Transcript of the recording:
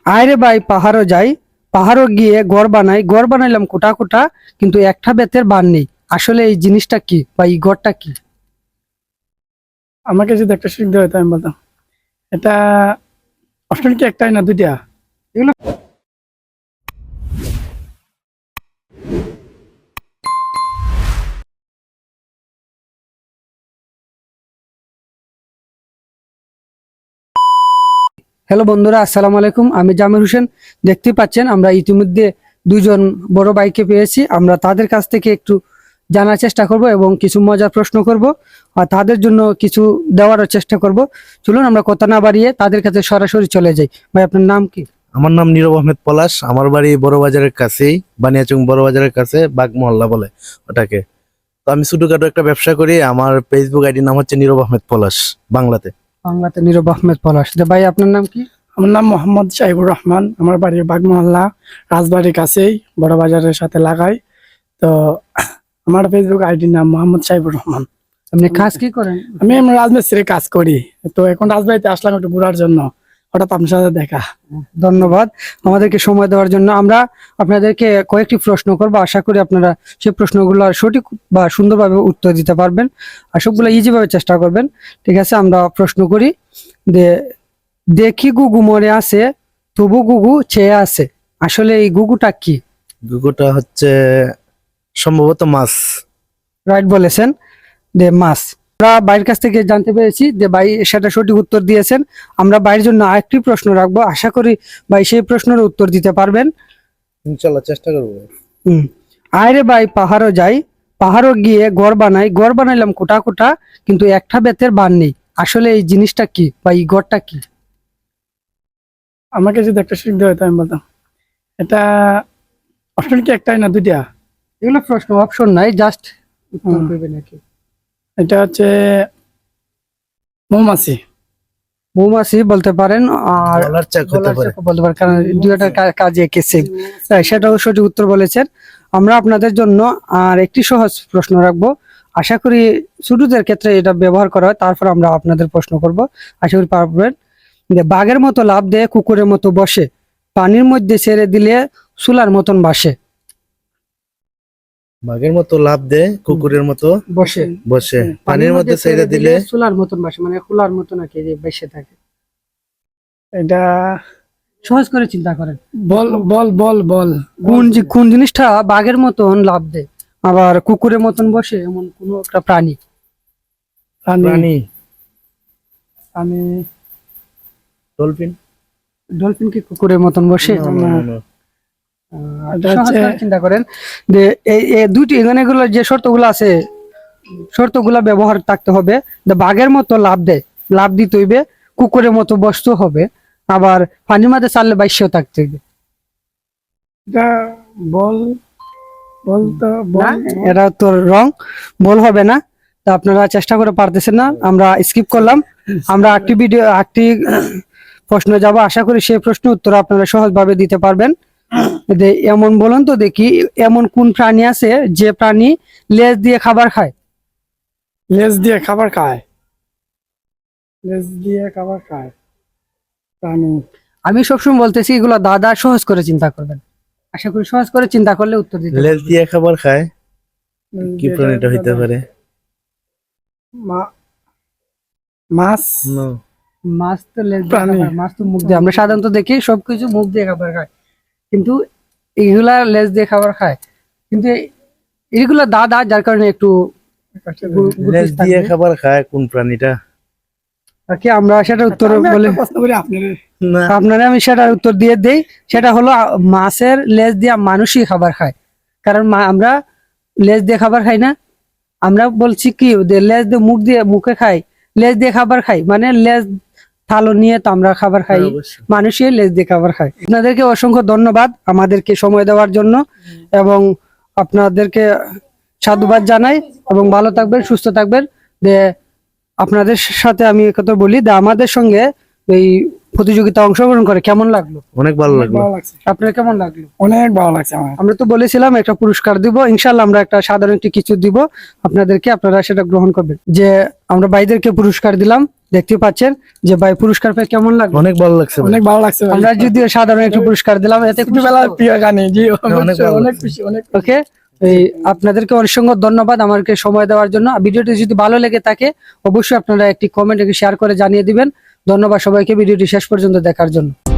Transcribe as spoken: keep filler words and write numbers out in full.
আয় রে ভাই পাহাড়ও যাই, পাহাড়ও গিয়ে ঘর বানাই, ঘর বানাইলাম কোটা কোটা, কিন্তু একটা বেতের বার নেই। আসলে এই জিনিসটা কি বা এই ঘরটা কি? আমাকে যদি একটা শিখতে হতো আমি বলতাম এটা অপশন কি একটাই না দুইটা? এগুলো হ্যালো বন্ধুরা, আসসালামু আলাইকুম। আমি জামির হোসেন। দেখতে পাচ্ছেন আমরা ইতিমধ্যে দুজন বড় ভাইকে পেয়েছি। আমরা তাদের কাছ থেকে একটু জানার চেষ্টা করব এবং কিছু মজার প্রশ্ন করব আর তাদের জন্য কিছু দেওয়ারও চেষ্টা করব। চলুন আমরা কথা না বাড়িয়ে তাদের কাছে সরাসরি চলে যাই। ভাই আপনার নাম কি? আমার নাম নীরব আহমেদ পলাশ। আমার বাড়ি বড় বাজারের কাছেই, বানিয়াচং বড় বাজারের কাছে, বাগ মহল্লা বলে ওটাকে। তো আমি ছোটখাটো একটা ব্যবসা করি। আমার ফেসবুক আইডির নাম হচ্ছে নীরব আহমেদ পলাশ বাংলাতে। বাংলাতে নীরব আহমেদ পলাশ। তো ভাই আপনার নাম কি? আমার নাম মোহাম্মদ শাহিবুর রহমান। আমার বাড়ি বাগমহল্লা, রাজবাড়ির কাছেই, বড় বাজারের সাথে লাগাই। তো আমার ফেসবুক আইডির নাম মোহাম্মদ শাহিবুর রহমান। আপনি কাজ কি করেন? আমি এমনি রাজমিস্ত্রির কাজ করি। তো এখন রাজবাড়িতে আসলাম একটু ঘোরার জন্য, হঠাৎ আপনার সাথে দেখা। ধন্যবাদ আমাদেরকে সময় দেওয়ার জন্য। আমরা আপনাদেরকে কয়েকটি প্রশ্ন করবো, আশা করি আপনারা সেই প্রশ্নগুলো সঠিক বা সুন্দরভাবে উত্তর দিতে পারবেন আর সবগুলো ইজি ভাবে চেষ্টা করবেন। ঠিক আছে, আমরা প্রশ্ন করি যে দেখি গুগু মরে আছে, তবু গুগু চেয়ে আছে। আসলে এই গুগুটা কি? গুগোটা হচ্ছে সম্ভবত মাছ। রাইট বলেছেন, যে মাছ। আমরা বাইরের কাছ থেকে জানতে পেরেছি যে ভাই সেটা সঠিক উত্তর দিয়েছেন। আমরা বাইরের জন্য আরেকটি প্রশ্ন রাখবো, আশা করি ভাই সেই প্রশ্নের উত্তর দিতে পারবেন। ইনশাল্লাহ চেষ্টা করবো। হম আয় রে ভাই পাহাড়ও যাই, পাহাড়ও গিয়ে ঘর বানাই, ঘর বানাইলাম কোটা কোটা, কিন্তু একটা বেতের বার নেই। আসলে এই জিনিসটা কি বা এই ঘরটা কি? আমাকে যদি একটা শিখতে হতো আমি বলতাম এটা অপশন কি একটাই না দুইটা? এগুলো প্রশ্ন, অপশন নাই, জাস্ট উত্তর হুম। দেবে নাকি? এটা হচ্ছে মৌমাছি। মৌমাছি বলতে পারেন, আর গলার চাক হতে গলার পারে। চাকা বলতে পারেন, কারণ দুইটার কা- কাজে একে সেম। সেটাও সঠিক উত্তর বলেছেন। আমরা আপনাদের জন্য আর একটি সহজ প্রশ্ন রাখবো, আশা করি ছোটদের ক্ষেত্রে এটা ব্যবহার করা হয়। তারপর আমরা আপনাদের প্রশ্ন করব, আশা করি পারবেন। যে বাঘের মতো লাফ দেয়, কুকুরের মতো বসে, পানির মধ্যে ছেড়ে দিলে চুলার মতন বাসে। বাঘের মতো লাফ দেয়, কুকুরের মতো বসে বসে, পানির মধ্যে ছেড়ে দিলে চুলার মতন বাসে, মানে খোলার মতন আর কি, যে বেসে থাকে। এটা সহজ করে চিন্তা করেন, বল বল বল বল কোন জি- কোন জিনিসটা বাঘের মতন লাফ দেয় আবার কুকুরের মতন বসে, এমন কোন একটা প্রাণী। প্রাণী। প্রাণী। আমি ডলফিন। ডলফিন কি কুকুরের মতন বসে? No, no, no, no. আহ, এটা সহজ হচ্ছে- করে চিন্তা করেন যে এই এই দুইটি এখানে গুলো যে শর্তগুলো আছে, শর্তগুলা ব্যবহার থাকতে হবে। যে বাঘের মতো লাফ দেয়, লাফ দিতে হইবে, কুকুরের মতো বসতে হবে, আবার পানির মাঝে চাললে বাইশেও থাকতে হইবে। এটা বল বল তো না, বল। এটা তো রং, বল হবে না। তা আপনারা চেষ্টা করে পারতেছেন না, আমরা স্কিপ করলাম। আমরা একটি ভিডিও একটি প্রশ্ন যাব, আশা করি সেই প্রশ্নের উত্তর আপনারা সহজভাবে দিতে পারবেন। যে এমন বলুন তো দেখি, এমন কোন প্রাণী আছে যে প্রাণী লেজ দিয়ে খাবার খায়? লেজ দিয়ে খাবার খায়। লেজ দিয়ে খাবার খায় প্রাণী। আমি সবসময় বলতেছি এগুলো দাদা সহজ করে চিন্তা করবেন, আশা করি সহজ করে চিন্তা করলে উত্তর দিতে লেজ পারবেন। দিয়ে খাবার খায়, লেজ কি দিয়ে প্রাণীটা হইতে খাবার- পারে? মা- মাছ। No. মাছ তো লেজ দিয়ে প্রাণী। খাবার, মাছ তো মুখ দিয়ে, আমরা সাধারণত দেখি সবকিছু মুখ দিয়ে খাবার খায়, কিন্তু এগুলা লেজ দিয়ে খাবার খায়। কিন্তু এগুলা দাদা, যার কারণে একটু গু- গুটিস লেজ দিয়ে থাকবে। খাবার খায় কোন প্রাণীটা? আর কি আমরা সেটা উত্তর আমি বলে একটা প্রশ্ন করি আপনারে। না, আপনারা, আমি সেটার উত্তর দিয়ে দেই। সেটা হলো আ, মাছের লেজ দিয়ে মানুষই খাবার খায়। কারণ মা- আমরা লেজ দিয়ে খাবার খাই না, আমরা বলছি কি যে লেজ দিয়ে মুখ দিয়ে মুখে খাই, লেজ দিয়ে খাবার খাই, মানে লেজ থালো নিয়ে তো আমরা খাবার খাই, হ্যাঁ, অবশ্যই। মানুষই লেজ দিয়ে খাবার খায়। আপনাদেরকে অসংখ্য ধন্যবাদ আমাদেরকে সময় দেওয়ার জন্য, এবং আপনাদেরকে সাধুবাদ জানাই, এবং ভালো থাকবেন, সুস্থ থাকবেন। যে আপনাদের সাথে আমি কথা বলি, যে আমাদের সঙ্গে এই প্রতিযোগিতা অংশগ্রহণ করে কেমন লাগলো? অনেক ভালো অনেক লাগলো। ভালো লাগছে, আপনার কেমন লাগলো? অনেক ভালো লাগছে আমার। আমরা তো বলেছিলাম একটা পুরস্কার দিব, ইনশাল্লাহ আমরা একটা সাধারণ একটি কিছু দিব আপনাদেরকে, আপনারা সেটা গ্রহণ করবেন। যে আমরা ভাইদেরকে পুরস্কার দিলাম, দেখতে পাচ্ছেন যে ভাই পুরস্কার পেয়ে কেমন লাগলো? অনেক ভালো লাগছে ভাই। অনেক ভালো লাগছে ভাই। আমরা যদিও সাধারণ একটু পুরস্কার দিলাম, এতে ছোটবেলার প্রিয় গানে জি অনেক ভালো অনেক লাগছে। খুশি অনেক ওকে, এই আপনাদেরকে অসংখ্য ধন্যবাদ আমাকে সময় দেওয়ার জন্য। ভিডিওটি যদি ভালো লেগে থাকে অবশ্যই আপনারা একটি কমেন্ট শেয়ার করে জানিয়ে দিবেন। ধন্যবাদ সবাইকে ভিডিওটি শেষ পর্যন্ত দেখার জন্য।